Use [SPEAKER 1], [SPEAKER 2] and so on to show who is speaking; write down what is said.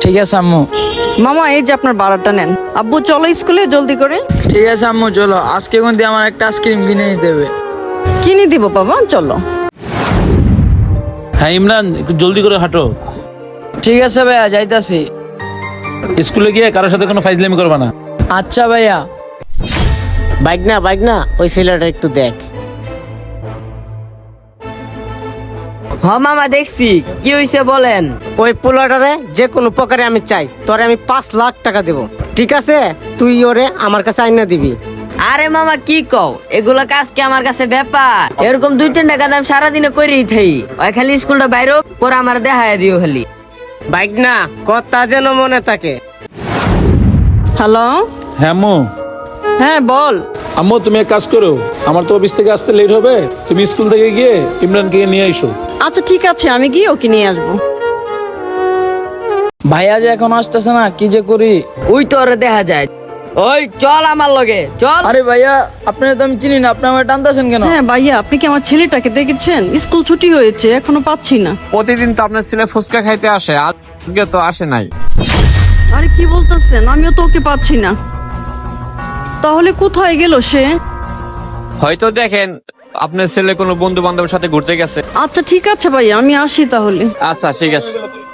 [SPEAKER 1] ঠিক আছে আম্মু।
[SPEAKER 2] মামা এই যে আপনার ভাড়াটা নেন। আব্বু চলো স্কুলে জলদি করে।
[SPEAKER 1] ঠিক আছে আম্মু, চলো। আজকে কিন্তু আমার একটা আইসক্রিম কিনে নিতে হবে।
[SPEAKER 2] কিনে দিব বাবা, চলো।
[SPEAKER 3] হ্যাঁ ইমরান, একটু জলদি করে হাঁটো।
[SPEAKER 1] ঠিক আছে ভাইয়া, যাইতাছি।
[SPEAKER 3] স্কুলে গিয়ে কারোর সাথে কোনো ফাইজলামি করবা না।
[SPEAKER 1] আচ্ছা ভাইয়া।
[SPEAKER 4] বাইক না ওই ছেলেটা একটু দেখ।
[SPEAKER 5] হ মামা দেখছি, কি হইছে বলেন।
[SPEAKER 4] ওই পোলাটারে যে কোনো প্রকারে আমি চাই, তোরে আমি 5 লাখ টাকা দেব, ঠিক আছে? তুই ওরে আমার কাছে আইনা দিবি।
[SPEAKER 5] আরে মামা কি কও, এগুলা কাজ কি আমার কাছে ব্যাপার? এরকম 2-3 কাজ আমি সারাদিনে করেই থাই। ওই খালি স্কুলটা বাইরে পরে আমার দেখায় দিও খালি।
[SPEAKER 4] বাইক না কথা যেন মনে থাকে।
[SPEAKER 2] হ্যালো।
[SPEAKER 3] হ্যাঁ আম্মু।
[SPEAKER 2] হ্যাঁ বল।
[SPEAKER 3] আম্মু তুমি এক কাজ করো, আমার তো অফিস থেকে আসতে লেট হবে, তুমি স্কুল থেকে গিয়ে ইমরানকে নিয়ে আইসো।
[SPEAKER 2] আচ্ছা ঠিক আছে, আমি গিয়ে ওকে নিয়ে আসবো।
[SPEAKER 1] ভাইয়া যে এখন আসতেছে না, কি যে করি।
[SPEAKER 5] ওই তো ওরে দেখা যায়। ওই চল আমার লগে চল।
[SPEAKER 1] আরে ভাইয়া, আপনারা তো আমি চিনি না, আপনি আমার টানতেছেন কেন?
[SPEAKER 2] হ্যাঁ ভাইয়া, আপনি কি আমার ছেলেটাকে দেখেছেন? স্কুল ছুটি হয়েছে, এখনো পাচ্ছি না।
[SPEAKER 6] প্রতিদিন তো আপনার ছেলে ফুচকা খাইতে আসে, আজকে তো আসে নাই।
[SPEAKER 2] আরে কি বলতেছেন, আমিও তো ওকে পাচ্ছি না। তাহলে কোথায় গেল সে?
[SPEAKER 6] হয়তো দেখেন আপনার ছেলে কোনো বন্ধু বান্ধবের সাথে ঘুরতে গেছে।
[SPEAKER 2] আচ্ছা ঠিক আছে ভাইয়া, আমি আসি তাহলে।
[SPEAKER 6] আচ্ছা ঠিক আছে।